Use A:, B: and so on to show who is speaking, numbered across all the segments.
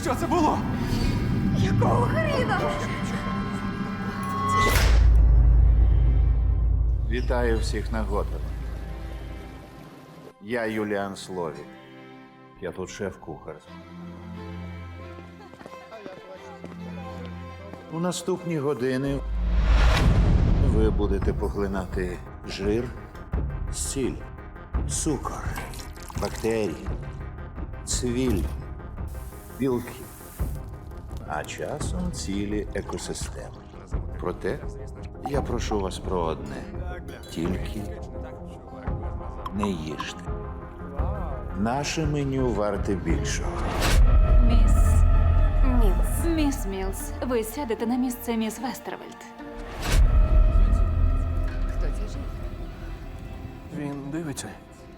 A: Що це було?
B: Якого хріна?
C: Вітаю всіх на Готелі. Я Юліан Словік. Я тут шеф-кухар. У наступні години ви будете поглинати жир, сіль, цукор, бактерії, цвіль, білки, а часом цілі екосистеми. Проте я прошу вас про одне. Тільки не їжте. Наше меню варте більшого.
B: Міс Мілс, ви сядете на місце міс Вестервельд.
D: Хто це жив?
A: Він дивиться.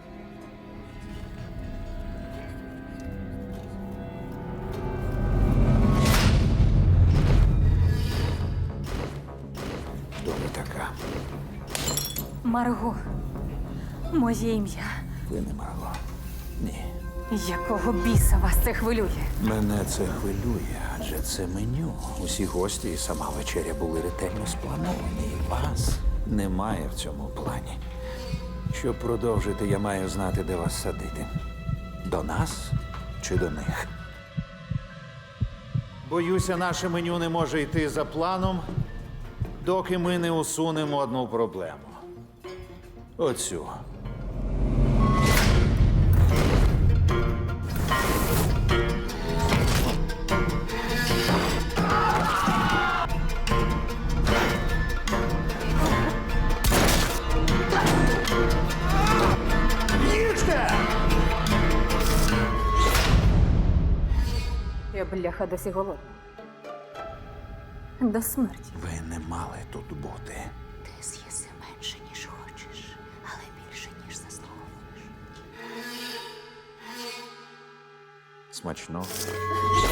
C: Хто ви така?
B: Марго. Моє ім'я.
C: Ви не Марго. Ні.
B: Якого біса вас це хвилює?
C: Мене це хвилює, адже це меню. Усі гості і сама вечеря були ретельно сплановані. І вас немає в цьому плані. Щоб продовжити, я маю знати, де вас садити. До нас чи до них? Боюся, наше меню не може йти за планом, доки ми не усунемо одну проблему. Оцю.
B: Я, бляха, досі голодна. До смерті.
C: Ви не мали тут бути.
B: Ти з'їси менше, ніж хочеш, але більше, ніж заслуговуєш.
C: Смачно.